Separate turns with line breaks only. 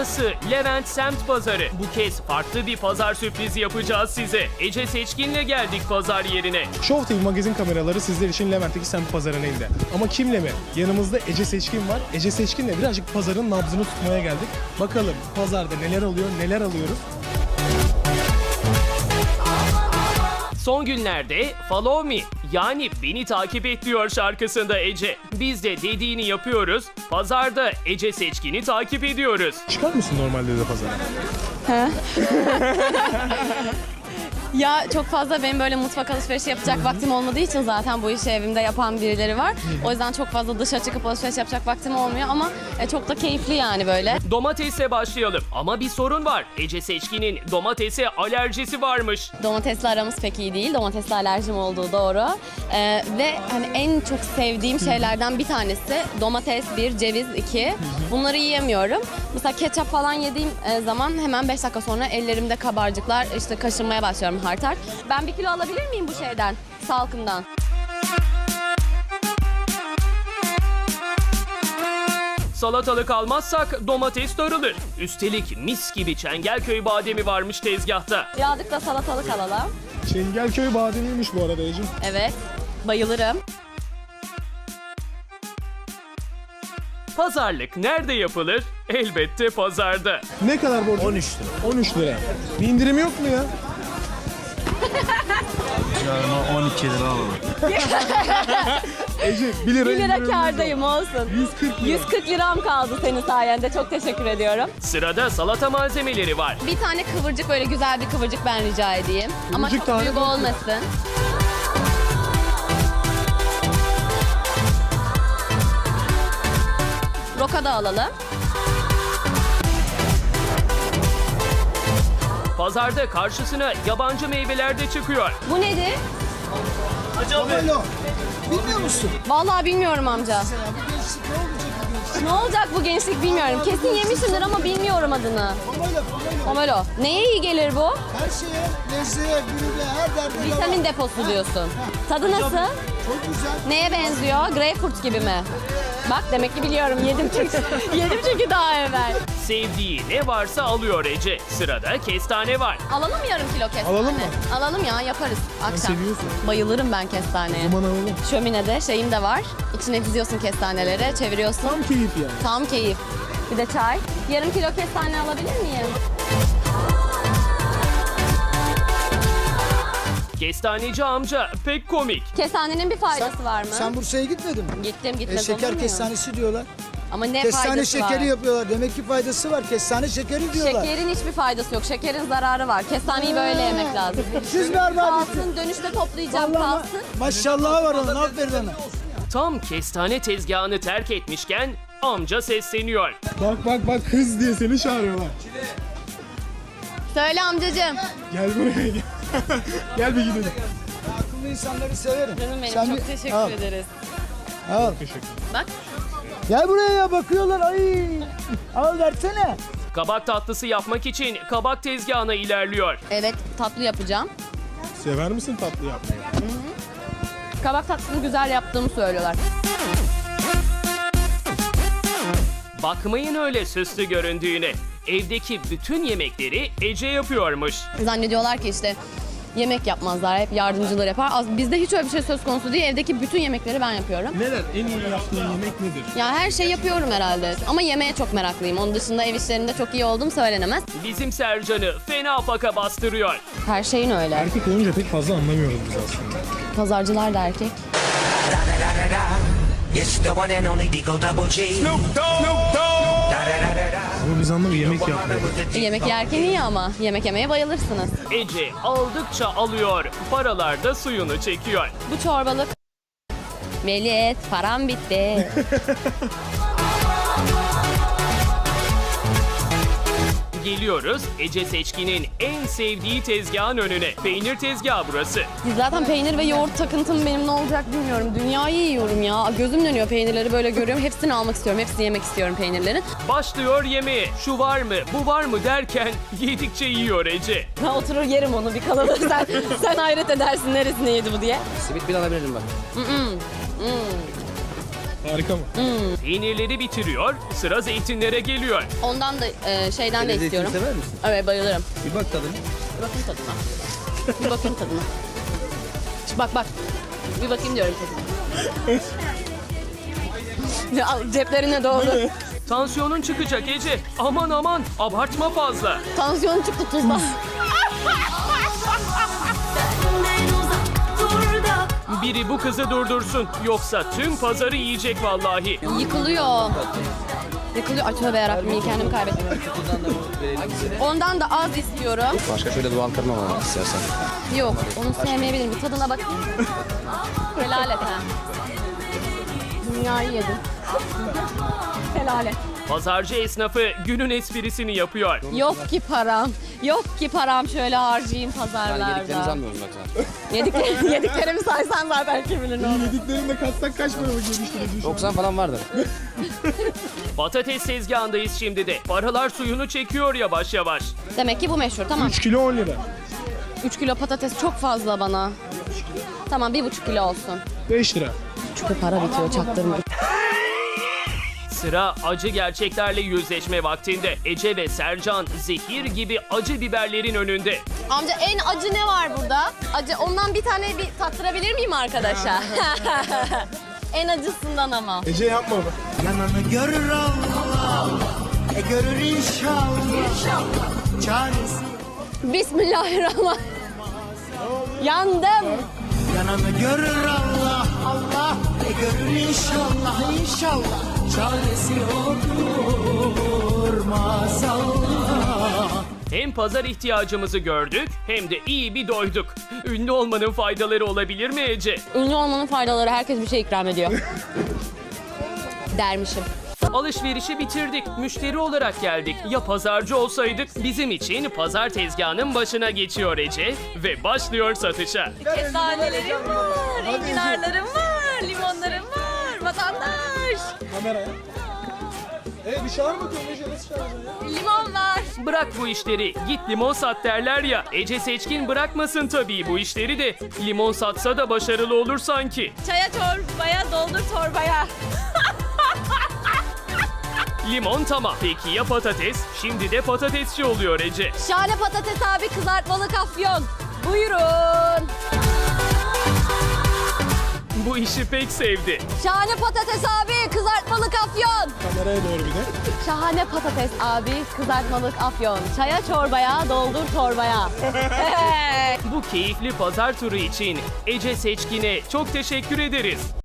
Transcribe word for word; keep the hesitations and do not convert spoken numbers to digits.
Burası Levent Semt Pazarı. Bu kez farklı bir pazar sürprizi yapacağız size. Ece Seçkin'le geldik pazar yerine.
Show T V magazin kameraları sizler için Levent'teki semt pazarının elinde. Ama kimle mi? Yanımızda Ece Seçkin var. Ece Seçkin'le birazcık pazarın nabzını tutmaya geldik. Bakalım pazarda neler oluyor, neler alıyoruz.
Son günlerde Follow Me yani beni takip et diyor şarkısında Ece. Biz de dediğini yapıyoruz. Pazarda Ece Seçkin'i takip ediyoruz.
Çıkar mısın normalde de pazara?
Ya çok fazla benim böyle mutfak alışverişi yapacak vaktim olmadığı için zaten bu işi evimde yapan birileri var. O yüzden çok fazla dışa çıkıp alışveriş yapacak vaktim olmuyor ama e, çok da keyifli yani böyle.
Domatesle başlayalım ama bir sorun var. Ece Seçkin'in domatese alerjisi varmış.
Domatesle aramız pek iyi değil. Domatesle alerjim olduğu doğru. Ee, ve hani en çok sevdiğim şeylerden bir tanesi domates bir, ceviz iki. Bunları yiyemiyorum. Mesela ketçap falan yediğim e, zaman hemen beş dakika sonra ellerimde kabarcıklar, işte kaşınmaya başlıyorum hart hart. Ben bir kilo alabilir miyim bu şeyden, salkımdan?
Salatalık almazsak domates darılır. Üstelik mis gibi Çengelköy bademi varmış tezgahta.
Birazcık da salatalık alalım.
Çengelköy bademiymiş bu arada Ece.
Evet, bayılırım.
Pazarlık nerede yapılır? Elbette pazarda.
Ne kadar borcun?
on üç lira.
on üç lira. Bir indirim yok mu ya?
Yani on iki lira alalım.
Ece bir lira
bir lira
indirimimiz var.
kârdayım olsun.
yüz kırk lira.
yüz kırk liram kaldı senin sayende. Çok teşekkür ediyorum.
Sırada salata malzemeleri var.
Bir tane kıvırcık, böyle güzel bir kıvırcık ben rica edeyim. Ama
Kıvırcık
çok
tane
büyük
mi?
olmasın. Roka da alalım.
Pazarda karşısına yabancı meyveler de çıkıyor.
Bu nedir?
Pomelo. Bilmiyor musun?
Vallahi bilmiyorum amca. Ne olacak bu gençlik bilmiyorum. Kesin yemişimdir ama bilmiyorum adını.
Pomelo, pomelo.
Pomelo. Neye iyi gelir bu?
Her şeye, lezzeye, gülüne, her derde deva.
Vitamin deposu diyorsun. Tadı nasıl?
Çok güzel.
Neye benziyor? Greyfurt gibi mi? Bak demek ki biliyorum. Yedim çünkü. Yedim çünkü daha evvel.
Sevdiği ne varsa alıyor Ece. Sırada kestane var.
Alalım mı yarım kilo kestane?
Alalım mı?
Alalım ya, yaparız akşam.
seviyorsun.
Bayılırım ben kestaneye.
Aman alalım.
Şöminede şeyim de var. İçine diziyorsun kestaneleri, çeviriyorsun.
Tam keyif yani.
Tam keyif. Bir de çay. Yarım kilo kestane alabilir miyim?
Kestaneci amca pek komik.
Kestanenin bir faydası var mı?
Sen Bursa'ya gitmedin mi?
Gittim,
E,
gitmez olur
şeker
mu?
kestanesi diyorlar.
Ama ne
Kestane
faydası
şekeri
var?
yapıyorlar. Demek ki faydası var. Kestane şekeri diyorlar.
Şekerin hiçbir faydası yok. Şekerin zararı var. Kestaneyi böyle yemek lazım.
Siz berbat ettiniz.
Kalsın, dönüşte toplayacağım
Vallahi
kalsın.
maşallah var onun. Aferin ona.
Tam kestane tezgahını terk etmişken amca sesleniyor.
Bak bak bak kız diye seni çağırıyorlar.
Söyle amcacığım.
Gel buraya gel. Gel bir gidelim.
Akıllı insanları severim.
Canım benim,
Sen
çok
bir-
teşekkür
al,
ederiz.
Al.
Teşekkür.
Bak.
Gel buraya ya, bakıyorlar. Ay. Al versene.
Kabak tatlısı yapmak için kabak tezgahına ilerliyor.
Evet, tatlı yapacağım.
Sever misin tatlı yapmayı?
Kabak tatlısını güzel yaptığımı söylüyorlar.
Bakmayın öyle süslü göründüğüne. Evdeki bütün yemekleri Ece yapıyormuş.
Zannediyorlar ki işte yemek yapmazlar, hep yardımcılar yapar. Az, bizde hiç öyle bir şey söz konusu değil. Evdeki bütün yemekleri ben yapıyorum.
Neler? En iyi yaptığın yemek nedir?
Ya her şey yapıyorum herhalde. Ama yemeğe çok meraklıyım. Onun dışında ev işlerinde çok iyi olduğum söylenemez.
Bizim Sercan'ı fena faka bastırıyor.
Her şeyin öyle.
Erkek olunca pek fazla anlamıyoruz biz aslında.
Pazarcılar da erkek.
It's the one and only Digo Double G. Snoop Dogg. Snoop Dogg.
Ama biz anlamıyoruz yemek yapmıyoruz.
Yemek yerken iyi ama yemek yemeye bayılırsınız.
Ece aldıkça alıyor, paralar da suyunu çekiyor.
Bu çorbalık. Melit, param bitti.
Geliyoruz Ece Seçkin'in en sevdiği tezgahın önüne. Peynir tezgahı burası.
Zaten peynir ve yoğurt takıntım benim ne olacak bilmiyorum. Dünyayı yiyorum ya. Gözüm dönüyor peynirleri böyle görüyorum. Hepsini almak istiyorum. Hepsini yemek istiyorum peynirlerin.
Başlıyor yemeğe. Şu var mı, bu var mı derken yedikçe yiyor Ece.
Ben oturur yerim onu bir kalıbı. Sen, sen hayret edersin neresine yedi bu diye.
Simit bir alabilirim bak.
Harika mı?
Peynirleri bitiriyor, sıra zeytinlere geliyor.
Ondan da e, şeyden de
Zeytin
istiyorum.
sever misin?
Evet, bayılırım.
Bir bak tadına.
Bir bakayım tadına. Bir bakayım tadına. Şu bak bak. Bir bakayım diyorum tadına. Al, ceplerine doğru.
Tansiyonun çıkacak Ece. Aman aman, abartma fazla.
Tansiyonu çıktı tuzla.
Biri bu kızı durdursun, yoksa tüm pazarı yiyecek vallahi.
Yıkılıyor. Yıkılıyor. Ay tövbe yarabbim, iyi kendimi kaybettim. Ondan da az istiyorum.
Başka şöyle doğal kırma var istersen.
Yok, onu sevmeyebilirim. Bir tadına bakayım. Helal et ha. Dünyayı yedim. Helal et.
Pazarcı esnafı günün esprisini yapıyor.
Yok ki param. Yok ki param, şöyle harcayayım
Ben
pazarlarda.
yediklerinizi almıyorum bak zaten.
Yedikler, yediklerimi saysan zaten kim bilir ne olur.
Yediklerini de katsak kaç para geliştirir?
doksan falan vardır.
Patates tezgahındayız şimdi de. Paralar suyunu çekiyor yavaş yavaş.
Demek ki bu meşhur, tamam.
üç kilo on lira.
üç kilo patates çok fazla bana. Tamam, bir buçuk kilo olsun.
beş lira.
Çünkü para bitiyor, çaktırma.
Sıra acı gerçeklerle yüzleşme vaktinde. Ece ve Sercan zehir gibi acı biberlerin önünde.
Amca en acı ne var burada? Acı, ondan bir tane bir tattırabilir miyim arkadaşa? En acısından ama.
Ece yapma bak.
Yananı görür Allah. E görür inşallah. İnşallah. Çaresi.
Bismillahirrahmanirrahim. Yandım.
Yananı görür Allah. Allah. E görür inşallah. İnşallah. Çaresi olur maazallah.
Hem pazar ihtiyacımızı gördük hem de iyi bir doyduk. Ünlü olmanın faydaları olabilir mi Ece?
Ünlü olmanın faydaları, herkes bir şey ikram ediyor. Dermişim.
Alışverişi bitirdik. Müşteri olarak geldik. Ya pazarcı olsaydık? Bizim için pazar tezgahının başına geçiyor Ece ve başlıyor satışa.
Kestanelerim var, enginarlarım var, limonlarım var. Vatandaş.
Kameraya. E bir çağır bakayım Ece, nasıl çağıracaksın ya?
Limon var.
Bırak bu işleri, git limon sat derler ya. Ece Seçkin bırakmasın tabii bu işleri de. Limon satsa da başarılı olur sanki.
Çaya çorbaya, doldur torbaya.
Limon tamam. Peki ya patates? Şimdi de patatesçi oluyor Ece.
Şahane patates abi, kızartmalı afyon. Buyurun.
Bu işi pek sevdi.
Şahane patates abi, kızartmalı afyon.
Kameraya doğru bir de.
Şahane patates abi, kızartmalık afyon. Çaya çorbaya, doldur torbaya.
Bu keyifli pazar turu için Ece Seçkin'e çok teşekkür ederiz.